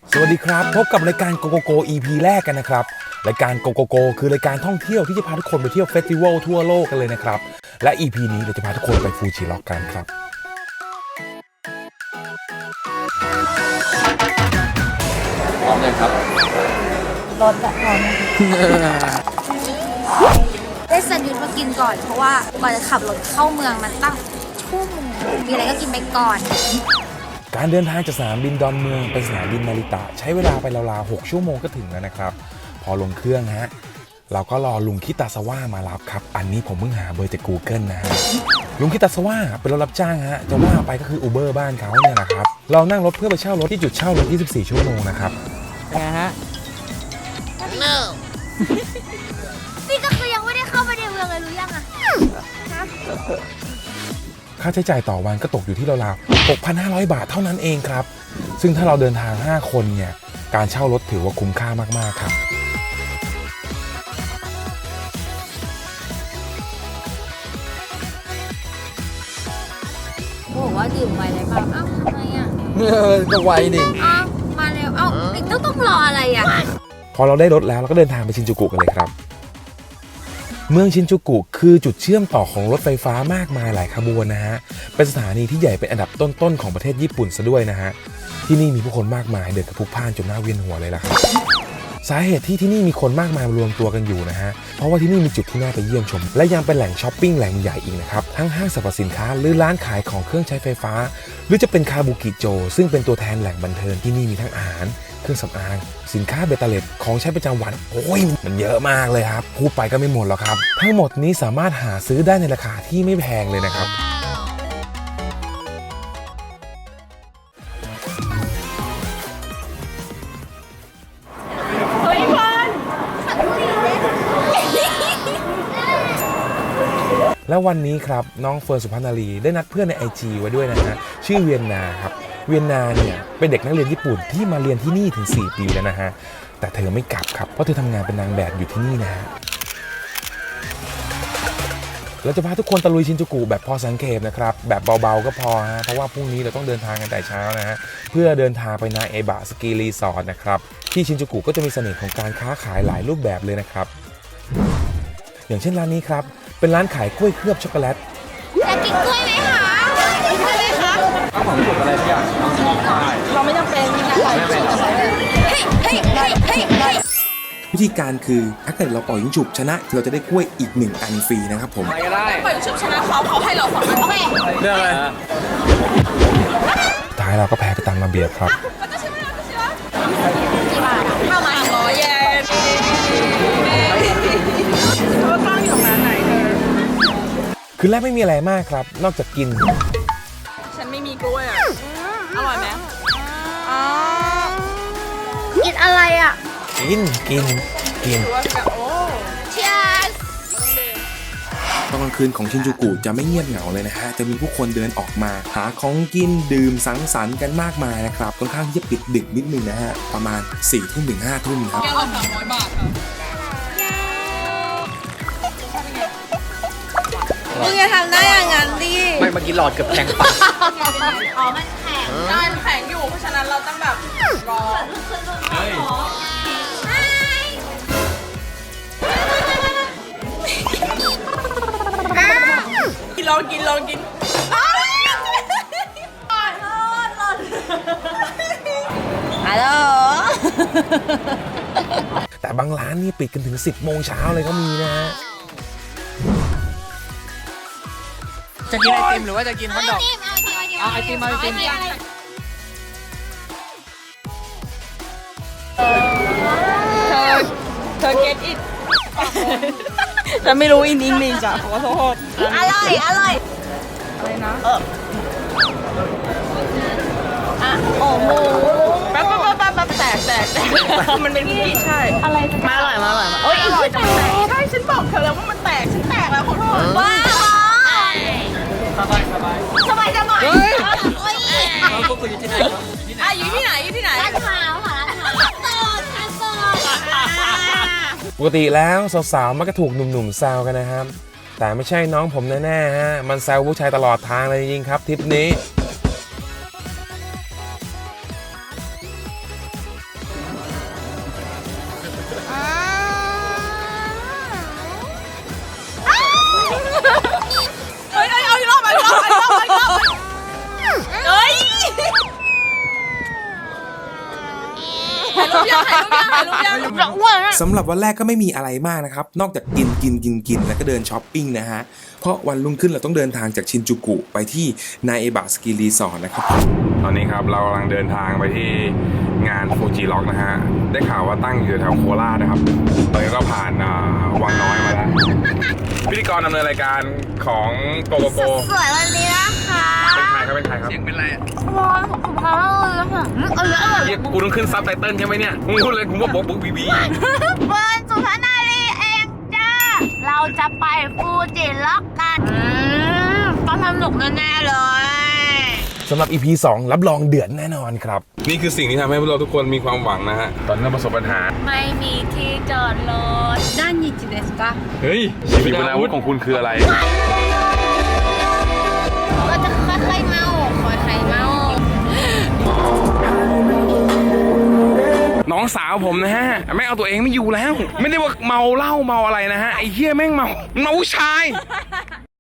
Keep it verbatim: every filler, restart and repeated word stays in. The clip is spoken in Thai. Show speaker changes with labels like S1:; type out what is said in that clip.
S1: สวัสดีครับพบกับรายการโกโกโก อี พี แรกกันนะครับรายการโกโกโกคือรายการท่องเที่ยวที่จะพาทุกคนไปเที่ยวเฟสติวัลทั่วโลกกันเลยนะครับและ อี พี นี้เราจะพาทุกคนไปฟูจิร็อกกันครับ
S2: พร้อมยังครับ
S3: รถอะพร้อมได้แซนด์วิชมากินก่อนเพราะว่ากว่าจะขับรถเข้าเมืองมันตั้งชั่วโมงมีอะไรก็กินไปก่อน
S1: การเดินทางจากสนามบินดอนเมืองไปสนามบินนาริตะใช้เวลาไปราวๆหกชั่วโมงก็ถึงแล้วนะครับพอลงเครื่องฮะเราก็รอลุงคิตาซาวะมารับครับอันนี้ผมเพิ่งหาเบอร์จาก Google นะฮะลุงคิตาซาวะเป็นรถรับจ้างฮะจะว่าไปก็คือ Uber บ้านเขาเนี่ยนะครับเรานั่งรถเพื่อไปเช่ารถที่จุดเช่ารถยี่สิบสี่ชั่วโมงนะครับ
S2: ไงฮะ
S3: no นี่ก็คือยังไม่ได้เข้าไปในเมืองเลยรู้ยังอะ
S1: ค่าใช้จ่ายต่อวันก็ตกอยู่ที่ราวๆ หกพันห้าร้อย บาทเท่านั้นเองครับซึ่งถ้าเราเดินทางห้าคนเนี่ยการเช่ารถถือว่าคุ้มค่ามากๆครับ
S3: บอกว่าดื่มไวเลยเปล่าอ้าวทำไมอ่ะ
S2: ก็ไวดิ
S3: อ้าวมาแล้วเอ้าอีกต้องต้องรออะไรอ่ะ
S1: พอเราได้รถแล้วเราก็เดินทางไปชินจูกุกันเลยครับเมืองชินจูกุคือจุดเชื่อมต่อของรถไฟฟ้ามากมายหลายขบวนนะฮะเป็นสถานีที่ใหญ่เป็นอันดับต้นๆของประเทศญี่ปุ่นซะด้วยนะฮะที่นี่มีผู้คนมากมายเดินกระพุกพ่านจนหน้าเวียนหัวเลยล่ะครับสาเหตุที่ที่นี่มีคนมากมายรวมตัวกันอยู่นะฮะเพราะว่าที่นี่มีจุดที่น่าไปเยี่ยมชมและยังเป็นแหล่งช้อปปิ้งแหล่งใหญ่อีกนะครับทั้งห้างสรรพสินค้าหรือร้านขายของเครื่องใช้ไฟฟ้าหรือจะเป็นคาบุกิโจซึ่งเป็นตัวแทนแหล่งบันเทิงที่นี่มีทั้งอาหารเครื่องสำอางสินค้าเบตาเล็ตของใช้ประจำวันโอ้ยมันเยอะมากเลยครับพูดไปก็ไม่หมดหรอกครับทั้งหมดนี้สามารถหาซื้อได้ในราคาที่ไม่แพงเลยนะครับแล้ววันนี้ครับน้องเฟิร์นสุภนารีได้นัดเพื่อนใน ไอ จี ไว้ด้วยนะฮะชื่อเวียนนาครับเวียนนาเนี่ยเป็นเด็กนักเรียนญี่ปุ่นที่มาเรียนที่นี่ถึงสี่ปีแล้วนะฮะแต่เธอไม่กลับครับเพราะเธอทำงานเป็นนางแบบอยู่ที่นี่นะฮะเราจะพาทุกคนตะลุยชินจูกุแบบพอสังเกตนะครับแบบเบาๆก็พอฮะเพราะว่าพรุ่งนี้เราต้องเดินทางกันแต่เช้านะฮะเพื่อเดินทางไปนาเอบะสกีรีสอร์ทนะครับที่ชินจูกุก็จะมีเสน่ห์ของการค้าขายหลายรูปแบบเลยนะครับอย่างเช่นร้านนี้ครับเป็นร้านขายกล้วยเคลือบช็อกโกแลต
S3: จะกินกล้วยไหมคะกินกล้วยไหมคะ
S2: ถ้าผมถูกอะไรทุกอย่าง
S3: เราไม่จำเป็นมีการปล่อยฉุบเฮ้ยเฮ้ยเฮ้ยเฮ้ยเฮ้ย
S1: วิธีการคือถ้าเกิดเราปล่อยยิงฉุบชนะเราจะได้กล้วยอีกหนึ่งอันฟรีนะครับผม
S2: ไปก็ได้
S3: ปล่อยฉุบชนะเขาเขาให้เราสองอันโอเค
S2: เรื่องอะไร
S1: ท้ายเราก็แพ้ไปตามระเบียบครับ
S3: กี่บาทเข้ามาสองร้อยเยนเขาตั้งอยู่ร้านไหนเธอ
S1: คือแรกไม่มีอะไรมากครับนอกจากกิน
S3: ฉันไม่มีกล้วยอ่ะอร่อยไหมอ๋อกินอะไรอ่ะ
S1: กินกินกิน
S3: เชียร์
S1: ตอนกลางคืนของชินจูกุจะไม่เงียบเหงาเลยนะฮะจะมีผู้คนเดินออกมาหาของกินดื่มสังสรรค์กันมากมายนะครับค่อนข้างที่จะปิดดึกนิดนึงนะฮะประมาณสี่ทุ่มถึงห้าทุ่มครับ
S3: แก้วละสามร้อยบาทครับมึงจะทำได้อย่างนั้นดิ
S2: ไม่เมื่อกี้หลอดเกือบแข็งปาก
S3: อ๋อมันแข็งมันแข็งอยู่เพราะฉะนั้นเราต้องแบบรอเฮ้ยกินลองกินลองกินฮัลโหล
S1: แต่บางร้านนี่ปิดกันถึงสิบโมงเช้าเลยก็มีนะฮะ
S2: จะกินไอติมหรือว่าจะกินฮอทดอกเอาไอติมเอาไอติม
S3: เธอเธอเก็ตอิทฉันไม่รู้อินอิงลิชอ่ะขอโทษอร่อยอร่อยอะไรนะเอออ่ะโอ้โหแป๊บแป๊บแป๊บแป๊บแตกแตกแตกมันเป็นพี่ใช่อะไรมาอร่อยมาอร่อยมาโอ้ยอร่อยจังเลยใช่ฉันบอกเธอแล้วว่ามันแตกฉันแตกแล้วขอโทษว้าวสบายสบายสบายสบายโอ้ย
S2: เราพวกคุณอยู่ที่ไหน
S3: อ่ะอยู่ที่ไหนอยู่ที่ไหนลาดพร้าวค่ะลาดพร้าวตอดค่ะตอด
S1: ปกติแล้วสาวๆมักจะถูกหนุ่มๆแซวกันนะครับแต่ไม่ใช่น้องผมแน่ๆฮะมันแซวผู้ชายตลอดทางเลยจริงๆครับทริปนี้
S3: รูปยังถ่ายรูปยังถ่ายรูปยังจะอ้วนอะ
S1: สำหรับวันแรกก็ไม่มีอะไรมากนะครับ นอกจากกินกินกินกินแล้วก็เดินช้อปปิ้งนะฮะ เพราะวันรุ่งขึ้นเราต้องเดินทางจากชินจูกุไปที่นาเอบะสกีรีสอร์ทนะครับตอนนี้ครับเรากำลังเดินทางไปที่งานฟูจิล็อกนะฮะได้ข่าวว่าตั้งอยู่แถวโคราชนะครับตอนนี้ก็ผ่านวังน้อยมาแล้วพิธีกรดำเนินรายการของโกโกโก
S3: สวยวันนี้นะคะ
S1: เป็นใครครับเป็นใครครับเสียงเป็นไรอ่ะ
S3: ร้อนสุขภาพเลยค่ะเอาเยอะเลย
S1: เรียกกูต้องขึ้นซับไตเติ้ลใช่ไหมเนี่ยมึงพูดเลยกูว่าบอกบุ๊กบีบี
S3: เฟิร์นสุภานารีเองจ้าเราจะไปฟูจิล็อกกันอืมต้องสนุกแน่ๆเลย
S1: สำหรับ อี พี สองรับรองเดือดแน่นอนครับนี่คือสิ่งที่ทำให้พวกเราทุกคนมีความหวังนะฮะตอนนี้เราประสบปัญหา
S3: ไม่มีที่จอดรถด้านยิจิเดสกะ
S1: เฮ้ยชีวิตอาวุธของคุณคืออะไร
S3: ก็จะค่อยๆเมาค่อยๆเมา
S1: น้องสาวผมนะฮะแม่งเอาตัวเองไม่อยู่แล้ว ไม่ได้ว่าเมาเหล้าเมาอะไรนะฮะไอ้เหี้ยแม่งเมาเมาผู้ชาย